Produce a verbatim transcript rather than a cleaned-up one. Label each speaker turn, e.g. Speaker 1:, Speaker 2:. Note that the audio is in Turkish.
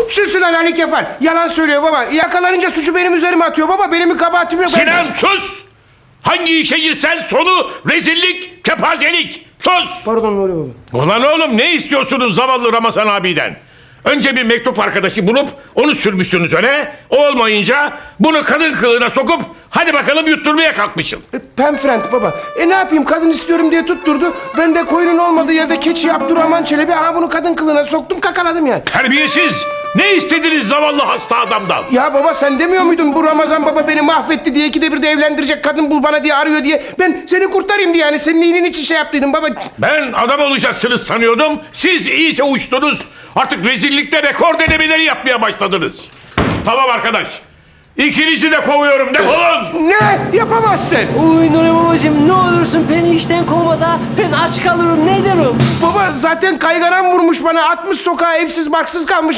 Speaker 1: Sus lan Ali Kefal. Yalan söylüyor baba. Yakalanınca suçu benim üzerime atıyor baba. Benim bir kabahatim yok.
Speaker 2: Sinan sus! Hangi işe girsen sonu rezillik, kepazelik. Sus!
Speaker 1: Pardon ne oluyor baba?
Speaker 2: Ulan oğlum ne istiyorsunuz zavallı Ramazan abiden? Önce bir mektup arkadaşı bulup onu sürmüşsünüz öne. O olmayınca bunu kadın kılığına sokup hadi bakalım yutturmaya kalkmışsın.
Speaker 1: E, Penfriend baba. E ne yapayım kadın istiyorum diye tutturdu. Ben de koyunun olmadığı yerde keçi Abdurrahman Çelebi. Aha bunu kadın kılığına soktum kakaladım yani.
Speaker 2: Terbiyesiz! Ne istediniz zavallı hasta adamdan?
Speaker 1: Ya baba sen demiyor muydun bu Ramazan baba beni mahvetti diye ikide bir de evlendirecek kadın bul bana diye arıyor diye. Ben seni kurtarayım diye yani senin iyiliğin için şey yaptıydım baba.
Speaker 2: Ben adam olacaksınız sanıyordum. Siz iyice uçtunuz. Artık rezillikte rekor denemeleri yapmaya başladınız. Tamam arkadaş. İkinizi de kovuyorum. Defolun.
Speaker 1: Ne? Yapamazsın.
Speaker 3: Uy Nuri babacığım ne olursun beni işten kovma da ben aç kalırım ne derim?
Speaker 1: Baba zaten kayganan vurmuş bana atmış sokağa evsiz barksız kalmış.